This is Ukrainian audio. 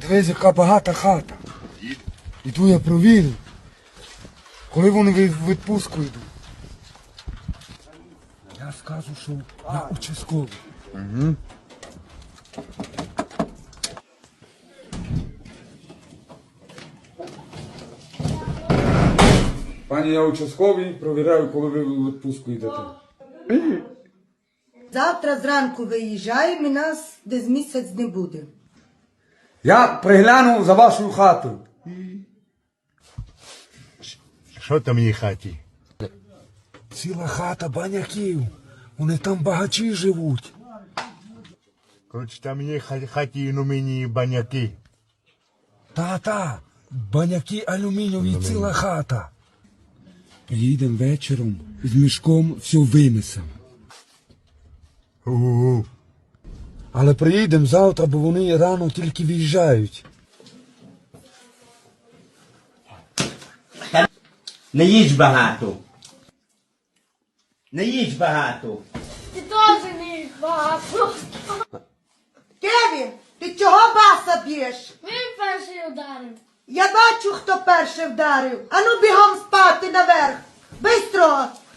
Дивись, яка багата хата. Іду я провірю. Коли вони в відпустку йдуть. Я скажу, що на участковий. Угу. Пані, я участковий, провіряю, коли ви в відпустку йдете. Завтра зранку виїжджаємо і нас десь місяць не буде. Я пригляну за вашою хатою. Що там в її хаті? Ціла хата баняків. Вони там багачі живуть. Коротше, там є хаті, ну мені баняки. Та, баняки алюмінієві, ціла хата. Приїдемо вечором, з мішком все винесемо. У-у-у. Але приїдемо завтра, бо вони рано тільки виїжджають. Не їж багато. Не їж багато. Ти теж не їх багато. Кевін, ти чого баса б'єш? Він перший ударив. Я бачу, хто перший вдарив. Ану бігом спати наверх. Бистро!